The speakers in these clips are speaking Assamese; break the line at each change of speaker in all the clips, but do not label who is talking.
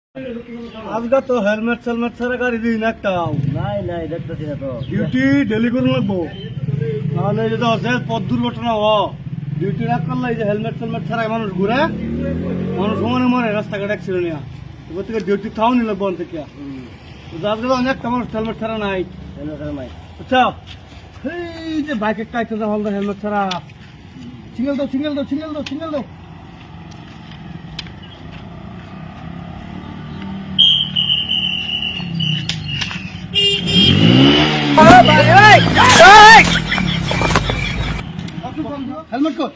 আজকে তো হেলমেট সেলমেট ছাড়া গাড়ি দিন একটাও
নাই দেখতেছি না তো।
ডিউটি ডেলি করে লাগবো, নাহলে যদি আছে পথ দুর্ঘটনা ডিউটি না করলে এই যে হেলমেট সেলমেট ছাড়াই মানুষ ঘুরে, মানুষ সমানে মরে রাস্তাঘাট অ্যাক্সিডেন্ট নিয়ে। এবার থেকে ডিউটি খাও নিল বন থেকে। আজকে তো অনেকটা মানুষ হেলমেট ছাড়া নাই, আচ্ছা এই যে বাইকের টাইতে হলদা হেলমেট ছাড়া। সিঙ্গেল দাও সিঙ্গেল দাও সিঙ্গেল দাও সিঙ্গেল দাও। হেলমেট কত?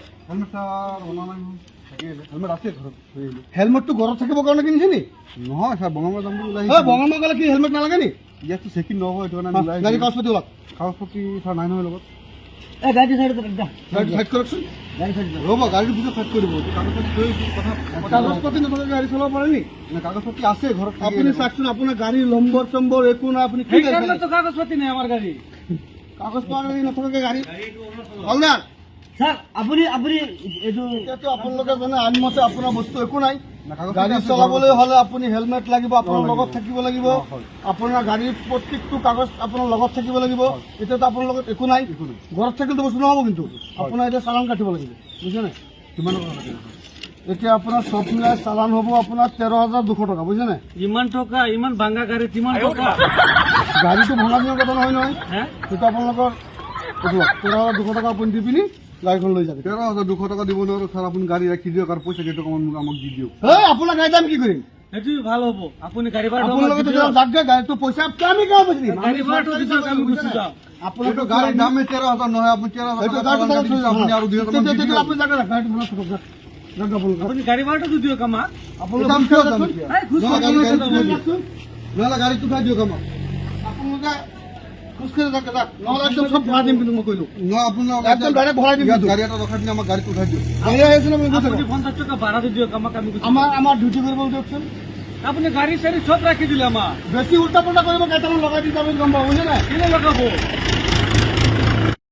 হেলমেট তো ঘৰত থাকিব কাৰণে কিনিছে নি?
নহয় ছাৰ বঙামাৰ যাম বুলি ওলাই
বঙামাৰ গ'লে কি হেলমেট নালাগে নি?
ইয়াততো চেকিং নহ'ব, সেইটো কাৰণে ওলাই
গাড়ী কাগজ পাতি ওলাওক।
কাগজ পাতি ছাৰ নাই নহয় লগত।
গাড়ি সাইড
গাড়ী সাইড কৰকচোন।
ৰ'ব গাড়ীৰ ভিতৰত ছাইড কৰি দিব, কাগজ পাতি লৈ কথা
কাগজ পাতি নথকাকৈ গাড়ী চলাব পাৰে নি?
কাগজ পাতি আছে ঘৰত।
আপুনি চাওকচোন, আপোনাৰ গাড়ীৰ নম্বৰ চম্বৰ একো নাই, আপুনি কি গাড়ী চলায়?
কাগজ পাতি নাই আমার গাড়ি।
কাগজ পাতি নথকাকৈ গাড়ী হলদাৰ,
স্যার আপনি এইটো
এতিয়াতো আপোনালোকে জানে আইন মতে আপোনাৰ বস্তু একো নাই।
না, কাগজ
গাড়ী
পাতি আছে
চলাবলৈ
ঘৰত।
হ'লে আপুনি হেলমেট লাগিব, আপোনাৰ লগত থাকিব লাগিব, আপোনাৰ গাড়ীৰ প্ৰত্যেকটো কাগজ আপোনাৰ লগত থাকিব লাগিব। এতিয়াতো আপোনাৰ লগত একো নাই, ঘৰত থাকিলেতো বস্তু নহ'ব, কিন্তু আপোনাৰ এতিয়া চালান কাটিব লাগিব, বুজিছে নাই?
কিমান টকা লাগে?
এতিয়া আপোনাৰ চব মিলাই চালান হ'ব আপোনাৰ 13,200 টকা, বুজিছে নাই?
ইমান টকা, ইমান ভাঙা গাড়ি কিমান টকা?
গাড়ীটো ভঙা দিনৰ কথা নহয় নহয়,
হ্যাঁ
সেইটো আপোনালোকৰ 13,200 টকা আপুনি দি পিনি গাড়ীখন লৈ যাবে।
13,200 টকা দিব নোৱাৰো ছাৰ, আপুনি গাড়ী ৰাখি দিয়ক আৰু পইচা কেইটকামান আমাক দি দিয়ক।
এই আপোনাৰ গাড়ীত আমি কি কৰিম?
সেইটো ভাল হ'ব। আপুনি গাড়ী ভাড়া
আপোনালোকে তেতিয়া যাকে গাড়ীটো পইচা আমি কিয় বুজি দিম?
গাড়ী ভাড়াটো দি দিয়ক, আমি গুচি যাম।
আপোনালোকে
গাড়ীৰ দামে 13,000 নহয়, আপুনি 13,000 টকা আপুনি আৰু 2,000 টকা দি দিয়ক।
আপুনি যাকে গাড়ীটো ভঙা থাকক, যাক আপোনালোকে
আপুনি গাড়ী ভাড়াটো দি দিয়ক আমাক।
দাম কিয় দাম কিয়?
এই খুশ
নহ'লে
কৰি
গাড়ী
দিয়ক।
দিয়ক। নহ'লে গাড়ীটো উঠাই দিয়ক আমাক।
আপোনালোকে খোজকাঢ়ি যাকে যাক, নহ'লে একদম চব ভৰাই দিম, কিন্তু মই কৈলো
নহয় আপোনাৰ
একদম ডাইৰেক্ট ভৰাই দিম।
ইয়াত গাড়ী এটা ৰখাই দিলে আমাক গাড়ীটো উঠাই দিয়ক।
গাড়ী আহিছে ন,
আপুনি 50 টকা ভাড়া দি দিয়ক আমাক, আমি গুচি যাম।
আমাৰ ডিউটি কৰিব দিয়কচোন।
আপুনি গাড়ী চাড়ী সব ৰাখি দিলে আমাক।
বেছি উল্টা পুল্টা কৰিব, কেইটামান লগাই দি যাব, গম পাব, বুজিছে নাই?
কিনে লগাব?